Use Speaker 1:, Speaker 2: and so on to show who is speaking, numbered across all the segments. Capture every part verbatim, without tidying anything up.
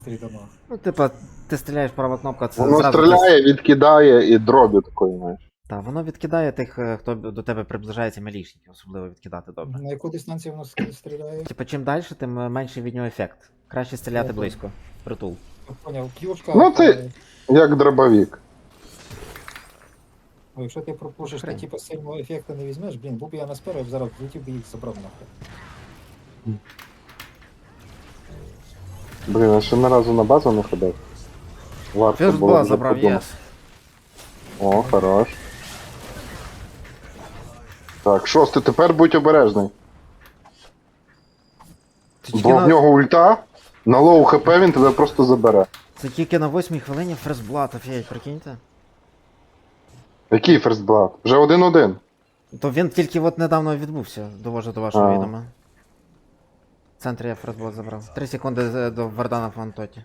Speaker 1: Три дома.
Speaker 2: Ну, типа, ти стріляєш права кнопка, це
Speaker 3: Воно
Speaker 2: зразу.
Speaker 3: стріляє, відкидає і дробі такої, знаєш.
Speaker 2: Так, воно відкидає тих, е, хто до тебе приближається мілішників, особливо відкидати добре.
Speaker 1: На яку дистанцію воно ск- стріляє?
Speaker 2: Типа, чим далі, тим е, менший від нього ефект. Краще стріляти
Speaker 1: Ага.
Speaker 2: близько. Притул.
Speaker 1: Я поняв, клюшка.
Speaker 3: Ну, це-
Speaker 1: е,
Speaker 3: Як дробовик.
Speaker 1: ну, якщо ти пропушиш, то
Speaker 2: Хрень.
Speaker 1: типу сильного ефекту не візьмеш, блін, був би я на сперу, зараз влетів би їх забрав нахуй.
Speaker 3: Блін, я ще ні разу на базу не ходив. Варто
Speaker 2: Фірст
Speaker 3: було
Speaker 2: була
Speaker 3: вже
Speaker 2: забрав,
Speaker 3: подумати.
Speaker 2: єс.
Speaker 3: О, хорош. Так, шостий, тепер будь обережний.
Speaker 2: Це тільки,
Speaker 3: Бо в
Speaker 2: на...
Speaker 3: нього ульта, на лоу хп він тебе просто забере.
Speaker 2: Це тільки на восьмій хвилині фрестблат, офігеть, прикиньте.
Speaker 3: Який ферстблад? Вже один-один.
Speaker 2: То він тільки от недавно відбувся, довожу до вашого
Speaker 3: А.
Speaker 2: відома. В центрі я фрестблат забрав. Три секунди з- до Вардана в Антоті.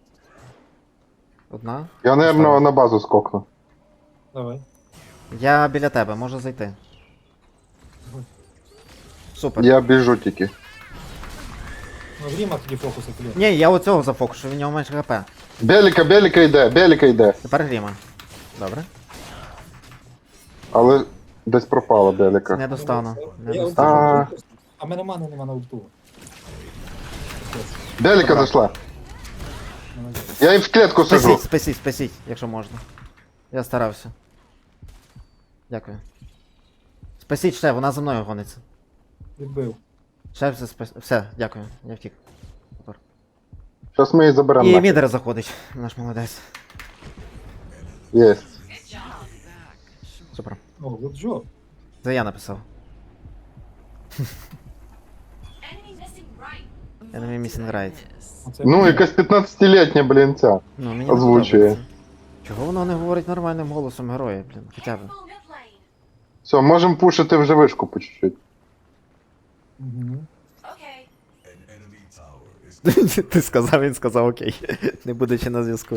Speaker 2: Одна.
Speaker 3: Я,
Speaker 2: Поставив.
Speaker 3: напевно, на базу скокну.
Speaker 1: Давай.
Speaker 2: Я біля тебе, можу зайти. Супер.
Speaker 3: Я біжу тільки.
Speaker 1: Ну, Гріма тоді фокуси клює.
Speaker 2: Ні, я оцього зафокушу, в нього менше хп.
Speaker 3: Беліка, Беліка йде, Беліка йде.
Speaker 2: Тепер Гріма. Добре.
Speaker 3: Але десь пропала Беліка.
Speaker 2: Не достану. Не
Speaker 1: Я
Speaker 2: достану.
Speaker 1: ульту, а мене мани нема на ульту.
Speaker 3: Беліка
Speaker 2: Добре.
Speaker 3: зайшла.
Speaker 1: Молодець.
Speaker 3: Я їм в клітку сажу.
Speaker 2: Спасіть, спасіть, спасіть, якщо можна. Я старався. Дякую. Спасіть ще, вона за мною гониться.
Speaker 1: Відбив.
Speaker 2: Ще все спас... Все, дякую, я втік. Супер.
Speaker 3: Зараз ми її заберемо.
Speaker 2: І
Speaker 3: нахер.
Speaker 2: мідер заходить, наш молодець.
Speaker 3: Єсть.
Speaker 2: Супер.
Speaker 1: О, good job.
Speaker 2: Це я написав.
Speaker 4: Enemy missing right.
Speaker 2: Enemy missing right.
Speaker 1: Оце
Speaker 3: Ну,
Speaker 1: мені.
Speaker 3: якась п'ятнадцятилітня, блін, ця.
Speaker 2: Ну, мені не
Speaker 3: Озвучує.
Speaker 2: подобається. Чого воно не говорить нормальним голосом героя, блін, хоча б.
Speaker 4: Full mid lane.
Speaker 3: Все, можемо пушити вже вишку по чуть-чуть.
Speaker 1: Мгм.
Speaker 4: Okay.
Speaker 2: Ти сказав, він сказав окей. Не будучи на зв'язку.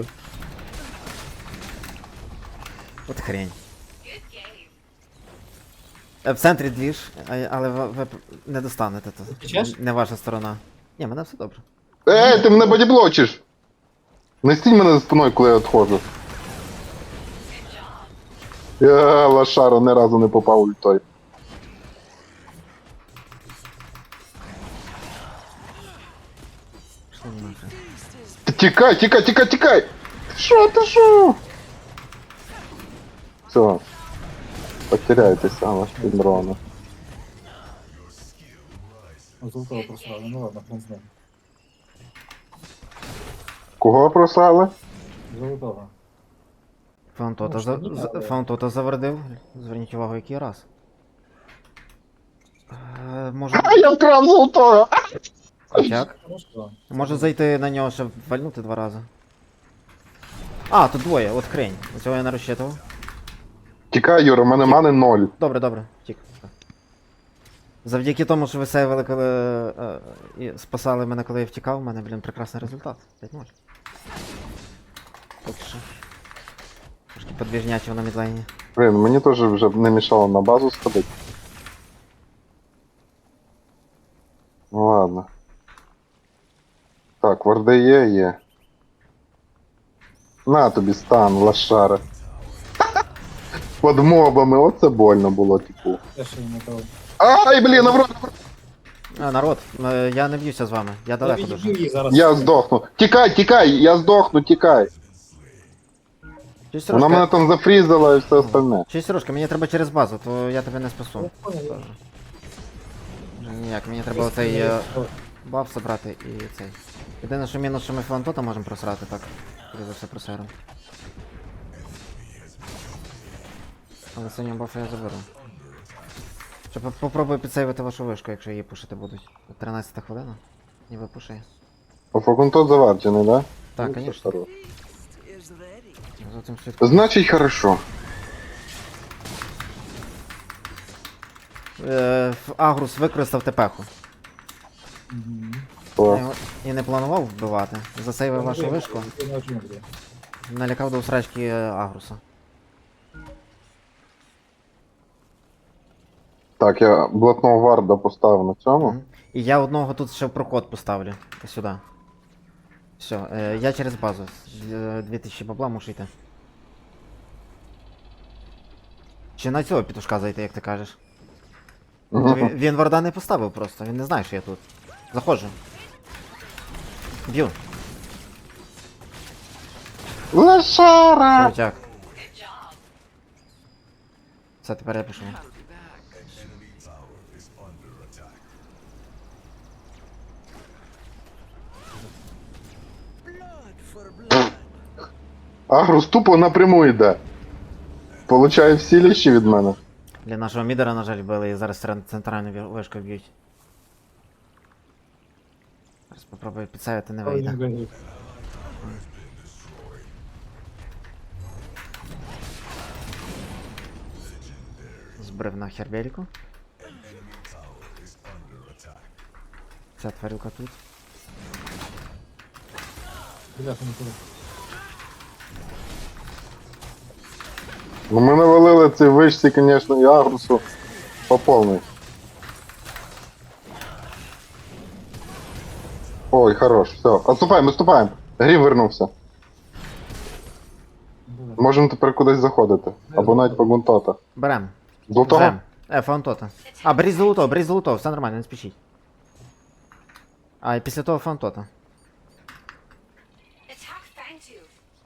Speaker 2: От хрень.
Speaker 4: Good game.
Speaker 2: Е, В центрі двіж, а- але ви, ви не достанете то.
Speaker 1: Втечеш?
Speaker 2: Не ваша сторона. Ні, мене все добре.
Speaker 3: Ей, ти мене бодіблочиш! Не стій мене за спиною, коли я відходжу. Я лошара ні разу не попав ультой.
Speaker 2: Пішли нахрен.
Speaker 3: Ти тікай, тікай, тікай, тікай! Ти шо, ти шо? Все. Потеряйтеся, ваш піддрона.
Speaker 1: О, золотого просрали. Ну ладно, хрен з ним.
Speaker 3: Кого просали?
Speaker 1: Золотого.
Speaker 2: Фаунтота,
Speaker 1: Ну,
Speaker 2: за...
Speaker 1: що, ні,
Speaker 2: за-
Speaker 1: але-
Speaker 2: Фаунтота завердив. Зверніть увагу, який раз. Е, може...
Speaker 3: А я вкрав золотого!
Speaker 2: Як?
Speaker 1: Хорошо.
Speaker 2: Може зайти на нього, щоб вальнути два рази. А, тут двоє, от хрень. Цього я не розчитував.
Speaker 3: Тікай, Юра, в мене мани ноль.
Speaker 2: Добре, добре, втік. Завдяки тому, що ви сейвили, коли е, і спасали мене, коли я втікав, у мене, блін, прекрасний результат. п'ять нуль. Поки що. Трошки подвіжнячого на мідлайні.
Speaker 3: Блін, мені теж вже не мішало на базу сходити. Ну ладно. Так, варди є, є. На тобі стан, лошара. Под мобами, оце больно було, типу.
Speaker 1: Те, що йому дав.
Speaker 3: Ай, блін, наврод!
Speaker 2: А, народ, е, я не б'юся з вами, я
Speaker 1: Я
Speaker 2: далеко
Speaker 1: відбив
Speaker 2: дуже.
Speaker 1: її зараз.
Speaker 3: Я здохну. Тікай, тікай, я здохну, тікай.
Speaker 2: Чусь,
Speaker 3: Вона мене
Speaker 2: Сережка,
Speaker 3: там зафрізала і все остальне.
Speaker 2: чусь, Сережка, мені треба через базу, то я тебе не
Speaker 1: Я
Speaker 2: спасу.
Speaker 1: понял.
Speaker 2: Вже ніяк, мені треба оцей е, баф забрати і цей. Єдине, що мінус, що ми фронтота можемо просрати, так. Коли за все просером. Але синього бафа я заберу. Ще по- попробую підсейвити вашу вишку, якщо її пушити будуть. тринадцята хвилина. Ніби пушає.
Speaker 3: О, факунтот заварчений, да?
Speaker 2: Так,
Speaker 3: Ну, це
Speaker 2: конечно.
Speaker 3: хорошо.
Speaker 2: За цим слідкую.
Speaker 3: Значить, хорошо.
Speaker 2: Е, в- Агрус використав тепеху.
Speaker 1: Мгм.
Speaker 2: Я
Speaker 3: О,
Speaker 2: його і не планував вбивати. Засейвив вашу вишку.
Speaker 1: Ти на джунглі.
Speaker 2: Налякав до усрачки е, Агруса.
Speaker 3: так, я блатного варда поставив на цьому.
Speaker 2: Мгм. І я одного тут ще в проход поставлю. Ось сюди. Все, е, я через базу. З- дві тисячі бабла мушу йти. Чи на цього петушка зайти, як ти кажеш?
Speaker 3: Мгм.
Speaker 2: Він, він варда не поставив просто, він не знає, що я тут. Заходжу. Б'ю.
Speaker 3: Лошара!
Speaker 2: Крутяк.
Speaker 4: Good job.
Speaker 2: Все, тепер я пішов.
Speaker 3: Агрус тупо напряму йде. Получає всі ліщі від мене.
Speaker 2: Для нашого мідера, на жаль, вбили і зараз цен- центральну ві- вишку б'ють. Зараз попробую підсавити, не
Speaker 1: Ой,
Speaker 2: вийде.
Speaker 1: він вигрів.
Speaker 2: Збрив нахер Бельку. Ця тварюка тут.
Speaker 1: Бляха, не туди.
Speaker 3: Ну ми навалили цій вишці, звісно, і Агрусу по повній. Ой, хорош, все. Отступаємо, отступаємо. Грім вернувся.
Speaker 1: Буде.
Speaker 3: Можемо тепер кудись заходити. Або навіть по гунтота.
Speaker 2: Берем.
Speaker 3: Золотого?
Speaker 2: Берем. Е, фаунтота. А, беріть золото, беріть золото, все нормально, не спішіть. А, і після того фаунтота.
Speaker 4: Attack Fangtooth.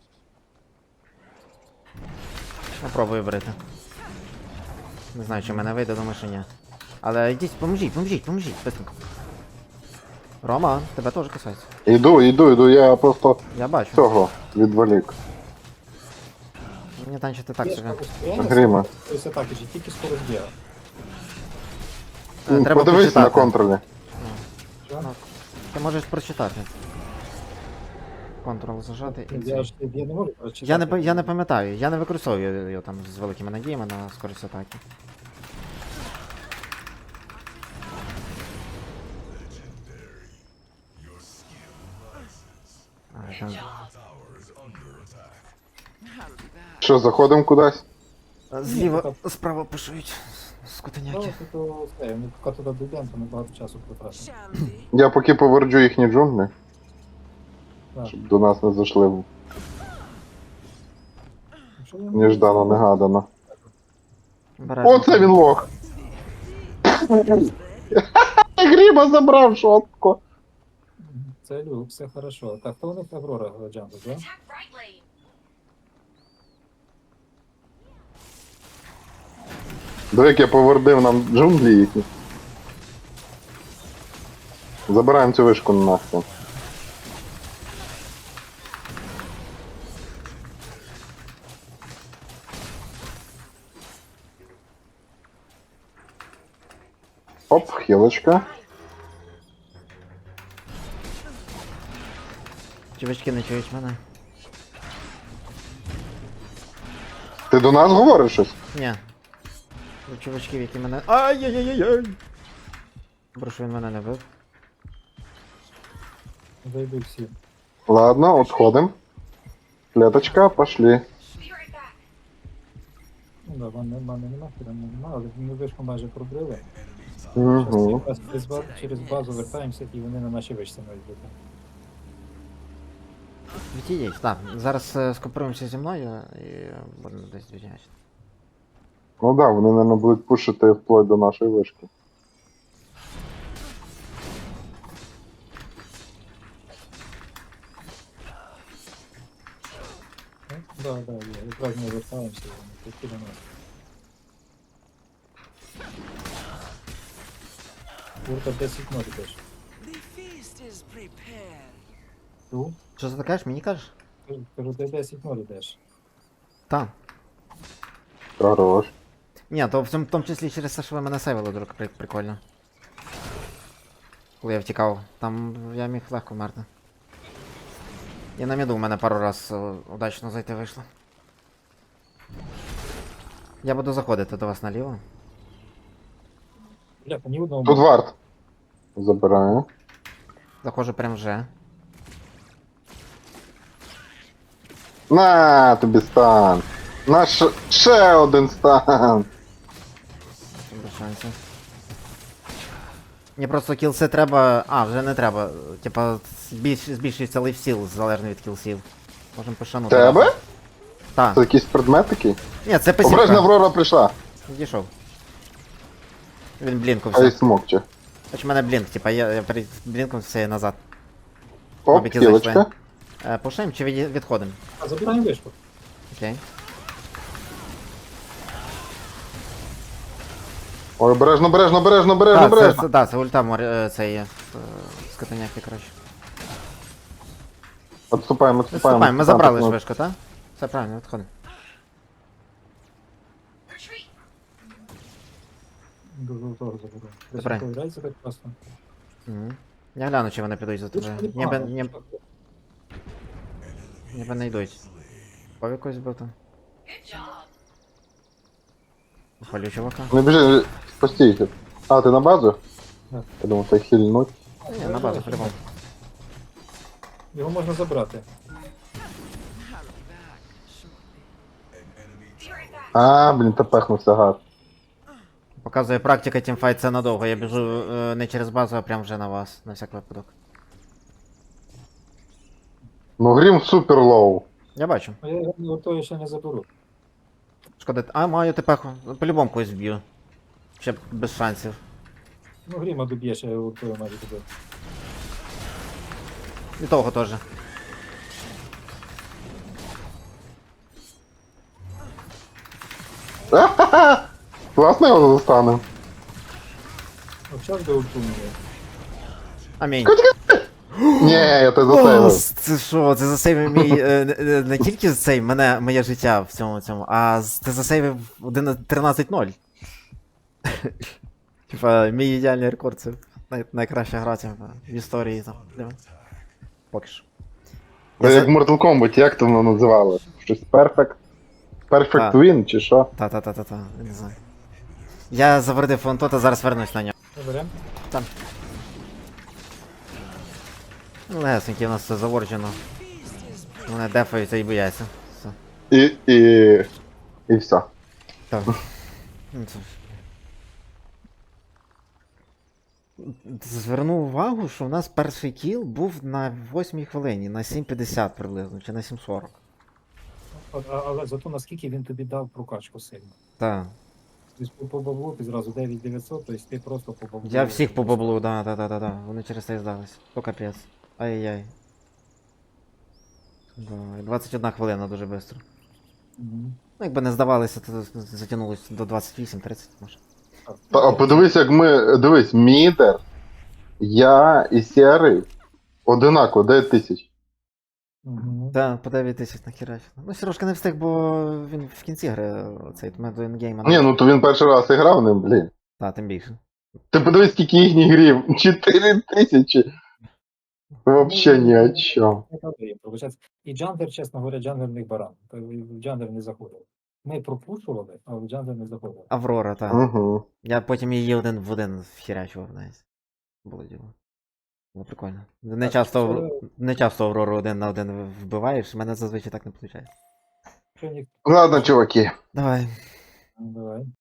Speaker 2: Попробую брити. Не знаю, чи в мене вийде, думаю, що ні. Але йдіть, поможіть, поможіть, поможіть, быстренько. Рома, тебе теж касається.
Speaker 3: Іду, іду, іду, я просто
Speaker 2: Я бачу.
Speaker 3: цього відволік.
Speaker 2: Мені танчити так
Speaker 1: Є
Speaker 2: собі.
Speaker 1: ж постоянно
Speaker 3: Грима.
Speaker 1: скорость атаки, же тільки скорость бігу.
Speaker 2: Е, Треба
Speaker 3: Подивись на
Speaker 2: прочитати.
Speaker 3: контролі.
Speaker 1: Що?
Speaker 2: Ти можеш прочитати. Контрол зажати і
Speaker 1: Я
Speaker 2: це.
Speaker 1: ж я не можу прочитати.
Speaker 2: Я не, па- я не пам'ятаю, я не використовую його там з великими надіями на скорість атаки. А, там...
Speaker 3: Що, заходимо кудись?
Speaker 2: Зліва, справа пишуть.
Speaker 1: Ну,
Speaker 2: Скотиняки.
Speaker 1: то все, ми поки туди дійдемо, то ми багато часу потратимо.
Speaker 3: Я поки поверджу їхні джунглі,
Speaker 1: Так.
Speaker 3: щоб до нас не зайшли
Speaker 1: Якщо я-
Speaker 3: неждано, негадано.
Speaker 2: Обережно.
Speaker 3: Оце він лох! Гріба забрав шотко.
Speaker 1: Це люк, все хорошо. Так, хто у них Аврора Джамбо, да?
Speaker 4: Attack right lane.
Speaker 3: Диви, як я повердив нам джунглі їхні. Забираємо цю вишку нахрен. Оп, хілочка.
Speaker 2: Чувачки не чують мене.
Speaker 3: Ти до нас говориш щось?
Speaker 2: Ні. До чувачків, які мене. Ай-яй-яй-яй! Добре, що він мене не бив.
Speaker 1: Зайду всі.
Speaker 3: Ладно, отходим. Клеточка, пошли.
Speaker 4: Be right back.
Speaker 1: Ну да, ванни мани нема, прямо нема, але ми вишку майже пробрили.
Speaker 3: Угу.
Speaker 1: Зараз через, ба- через базу вертаємося і вони на наші вишці мають бути.
Speaker 2: Відійдіть, так. Зараз е, скопируємося зі мною і будемо десь відняти.
Speaker 3: Ну да, вони, мабуть, будуть пушити вплоть до нашої вишки.
Speaker 1: Ну, да, да, є. Якраз ми вертаємося і вони такі до нас. Курка десять ноль теж.
Speaker 5: The feast is prepared.
Speaker 1: Ту?
Speaker 2: Що ти кажеш? Мені кажеш?
Speaker 1: Кажу, Кажу, ти десять ноль йдеш.
Speaker 2: Так.
Speaker 3: Хорош.
Speaker 2: Ні, то в цьому в тому числі через те, що ви мене сейвили, дуже при- прикольно. Коли я втікав, там я міг легко вмерти. І на міду в мене пару раз е, удачно зайти вийшло. Я буду заходити до вас наліво.
Speaker 1: Бляха, ні одного.
Speaker 3: Тут варт. Забираю.
Speaker 2: Заходжу прям вже.
Speaker 3: На тобі стан. На ш... ще один стан.
Speaker 2: Без шансів. Мені просто кілси треба. А, вже не треба. Типа, збільш... збільшується лейфстіл залежно від кілсів. Можемо пошанути.
Speaker 3: Тебе?
Speaker 2: Так.
Speaker 3: Це якийсь предмет такий?
Speaker 2: Ні, це
Speaker 3: Обережно,
Speaker 2: писівка.
Speaker 3: Аврора прийшла.
Speaker 2: Відійшов. Він
Speaker 3: А й
Speaker 2: блінкувся.
Speaker 3: смокче.
Speaker 2: Хоч в мене блінк, типа, я, я перед блінком все назад.
Speaker 3: Оп,
Speaker 2: Мабіки
Speaker 3: хілочка.
Speaker 2: зайшли. Е, пушаємо чи від... відходимо?
Speaker 1: А забираємо вишку.
Speaker 2: Окей.
Speaker 3: Ой, обережно, обережно, обережно, обережно,
Speaker 2: Так, це,
Speaker 3: обережно.
Speaker 2: це, да, це ульта мор... е, це є. е, Скотиняки, коротше.
Speaker 3: Отступаємо, отступаємо.
Speaker 2: Відступаємо, ми забрали ж
Speaker 3: отступаємо.
Speaker 2: вишку, так? Все правильно, відходимо.
Speaker 4: Retreat.
Speaker 1: До жовтого заберу.
Speaker 2: Добре.
Speaker 1: Повідається так просто.
Speaker 2: Угу. Я гляну, чи вони підуть за
Speaker 1: Вишка
Speaker 2: тобою.
Speaker 1: непогана,
Speaker 2: Ніби, ні,
Speaker 1: вишка.
Speaker 2: ніби не йдуть. Пов якось бити.
Speaker 4: Good job.
Speaker 2: Палю чувака.
Speaker 3: Не біжи, постійте. А, ти на базу?
Speaker 1: Так.
Speaker 3: Я думав, це хильнуть.
Speaker 2: Ні, на базу по-любому.
Speaker 1: Його можна забрати.
Speaker 4: Be right back.
Speaker 3: А, блін, та пехнувся гад.
Speaker 2: Показує практика тімфайт, це надовго. Я біжу е, не через базу, а прямо вже на вас, на всяк випадок.
Speaker 3: Ну, грім супер лоу.
Speaker 2: Я бачу.
Speaker 1: А я його готові ще не заберу.
Speaker 2: Шкода. А, маю тепеху. По-любому когось б'ю. Ще без шансів.
Speaker 1: Ну, гріма доб'єш, я його готовий майже добив.
Speaker 2: І того теж.
Speaker 3: Ха-ха-ха! Класно його застанем.
Speaker 1: Ну, час до ульту мені.
Speaker 2: Амінь.
Speaker 3: Ні, я тебе
Speaker 2: О,
Speaker 3: засейвив.
Speaker 2: це що? Це засейвив мій е, не- не, не тільки цей мене, моє життя в цьому цьому, а з- ти засейвив тринадцять ноль. Типа, мій ідеальний рекорд, це най, найкраща гра типа, в історії там. для мене. Поки що.
Speaker 3: Це
Speaker 2: Я
Speaker 3: як
Speaker 2: за...
Speaker 3: в Mortal Kombat, як то воно називали? Щось Perfect? Perfect
Speaker 2: Так.
Speaker 3: Win чи що?
Speaker 2: Та-та-та-та-та, не знаю. Я завердив фонтота, зараз вернусь на нього.
Speaker 1: Заберем.
Speaker 2: Там. Ну, лесенькі, у нас все заворджено. Вони дефаються і бояться. Все.
Speaker 3: І, і... І все.
Speaker 2: Так. Ну, це... Зверну увагу, що у нас перший кіл був на восьмій хвилині, на сім п'ятдесят приблизно, чи на сім сорок.
Speaker 1: От, а- Але зато наскільки він тобі дав прокачку сильно.
Speaker 2: Так.
Speaker 1: Тобто по баблу ти зразу дев'ять дев'ятсот, тобто ти просто по баблу.
Speaker 2: Я всіх по баблу, да, да, да, да, да. Вони через це і здались. То капець. Ай-яй. Да, двадцять одна хвилина дуже швидко.
Speaker 1: Мгм.
Speaker 2: Ну, якби не здавалися, то затягнулося до двадцять вісім тридцять, може.
Speaker 1: Так.
Speaker 3: Та, а подивись, як ми. Дивись, Мідер, я і Сірий одинаково, дев'ять тисяч.
Speaker 1: Мгм.
Speaker 2: Так, по дев'ять тисяч нахерачено. Ну, Сережка не встиг, бо він в кінці гри цей ми до інгейма.
Speaker 3: Ні, ну то він перший раз і грав ним, блін.
Speaker 2: Так, тим більше.
Speaker 3: Ти подивись, скільки їхніх грів. чотири тисячі. Вообще ні о чому.
Speaker 1: Не правда, їм получається. І джанглер, чесно говоря, джанглер в них баран. То в джанглер не заходив. Ми пропушували, а в джанглер не заходив.
Speaker 2: Аврора, так.
Speaker 3: Угу.
Speaker 2: Я потім її один в один вхерячував навіть. Було діло. Було прикольно. Не
Speaker 1: Так,
Speaker 2: часто,
Speaker 1: це-
Speaker 2: не часто Аврору один на один вбиваєш, мене зазвичай так не виходить.
Speaker 1: Що ні...
Speaker 3: Ладно, чуваки.
Speaker 2: Давай.
Speaker 1: Давай.